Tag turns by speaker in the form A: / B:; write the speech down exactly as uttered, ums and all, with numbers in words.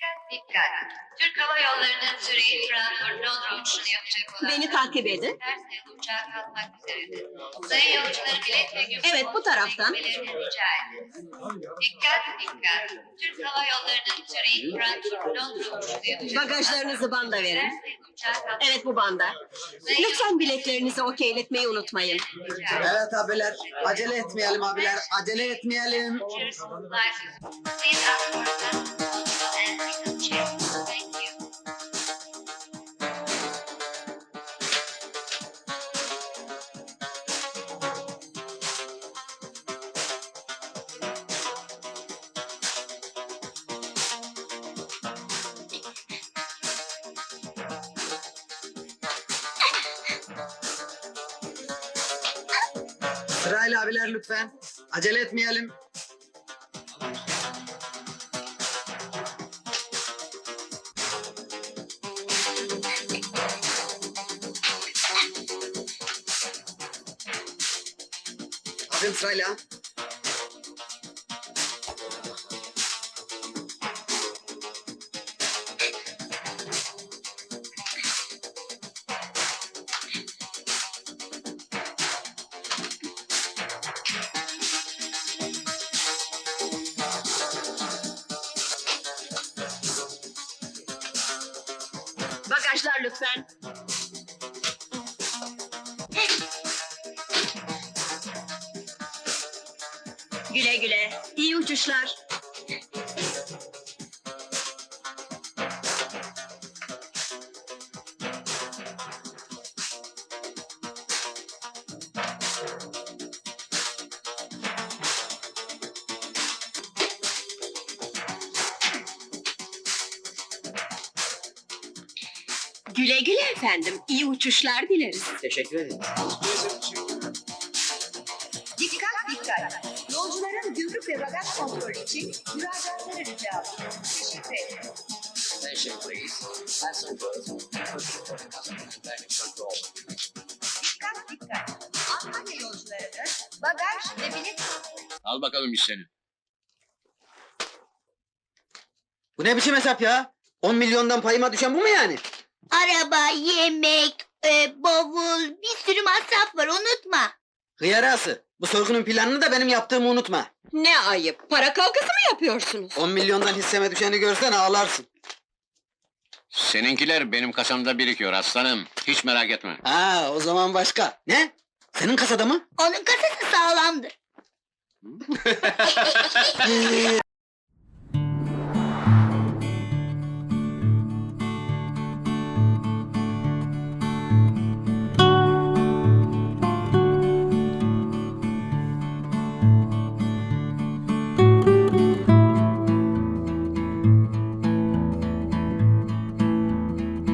A: Dikkat dikkat. Türk Hava Yolları'nın Zürih, Frankfurt, Londra uçuşunu yapacak olan...
B: Beni takip edin.
A: Ters sayılı uçağa kalkmak üzeredir. Sayın yolcuları bilet ve gümrük
B: Evet, bu taraftan.
A: bilgilerini rica ederiz. Dikkat dikkat. Türk Hava Yolları'nın Zürih, Frankfurt, Londra uçuşunu yapacak olan...
B: Bagajlarınızı banda verin.
A: Ters sayılı uçağa kalkmak
B: Evet, bu banda. Lütfen biletlerinizi okeyletmeyi unutmayın.
A: rica ederiz.
C: Evet abiler, acele etmeyelim abiler, acele etmeyelim.
A: Cheers. Life. Please ask for a and become chair. Thank you.
C: Sırayla abiler lütfen, acele etmeyelim. Abim sırayla.
B: Bagajlar lütfen. Güle güle. İyi uçuşlar. Güle güle efendim. İyi uçuşlar dileriz.
C: Teşekkür ederim.
D: Dikkat dikkat! Yolcuların gümrük ve bagaj kontrolü için müracaatları rica ediyorum. Teşekkür ederim.
E: Attention please. Passengers, for the customer and baggage control.
D: Dikkat dikkat! Antalya yolcularının bagaj ve bilet
E: Al bakalım iş seni.
C: Bu ne biçim hesap ya? on milyondan payıma düşen bu mu yani?
F: Araba, yemek, e, bavul, bir sürü masraf var unutma.
C: Hıyarası, bu sorgunun planını da benim yaptığımı unutma.
B: Ne ayıp. Para kavgası mı yapıyorsunuz?
C: on milyondan hisseme düşeni görsen ağlarsın.
E: Seninkiler benim kasamda birikiyor aslanım. Hiç merak etme.
C: Ha, o zaman başka. Ne? Senin kasada mı?
F: Onun kasası sağlamdır.